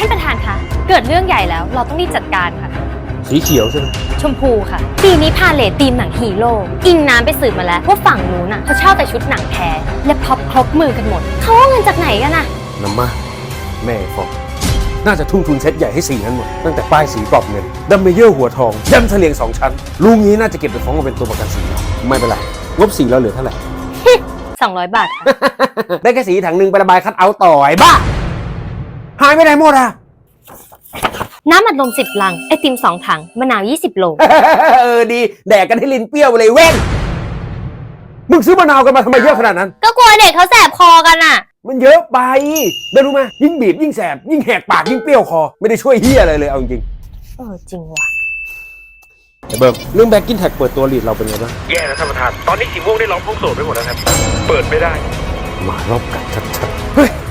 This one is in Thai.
ท่านประธานคะเกิดเรื่องใหญ่แล้วเราต้องรีบจัดการค่ะสีเขียวใช่ไหมชมพูค่ะปีนี้พาเลทธีมหนังฮีโร่อิงน้ำไปสืบมาแล้วว่าฝั่งนู้นน่ะเขาเช่าแต่ชุดหนังแท้และพ็อปครบมือกันหมดเขาเอาเงินจากไหนกันน่ะน้ำมาแม่ฟอกน่าจะทุ่มทุนเซ็ตใหญ่ให้สีนั้นหมดตั้งแต่ป้ายสีกรอบเงินดัมเมเยอร์หัวทองยันเฉลียง2 ชั้นลุงนี้น่าจะเก็บไปฟ้องมาเป็นตัวประกันสีไม่เป็นไรงบสีเราเหลือเท่าไหร่ 200 บาทค่ะได้แค่สีถังหนึ่งไประบายคัดเอาท์ต่อไอ้บ้าหายไปไหนหมดอ่ะน้ำอัดลม10 ลังไอติม2 ถังมะนาว20 โลดีแดกกันให้ลิ้นเปรี้ยวไปเลยเว้นมึงซื้อมะนาวกันมาทำไมเยอะขนาดนั้นก็กลัวเด็กเขาแสบคอกันอ่ะมันเยอะไปได้รู้ไหมยิ่งบีบยิ่งแสบยิ่งแหกปากยิ่งเปรี้ยวคอไม่ได้ช่วยเฮียอะไรเลยเอาจริงจริงว่ะไอ้เบิร์กเรื่องแบ็กกิ้นแท็กเปิดตัวลีดเราเป็นไงบ้างแย่แล้วท่านประธานตอนนี้สีม่วงได้ร้องพุ่งโสดไปหมดแล้วครับเปิดไม่ได้หมารอบกัดชัดๆเฮ้ย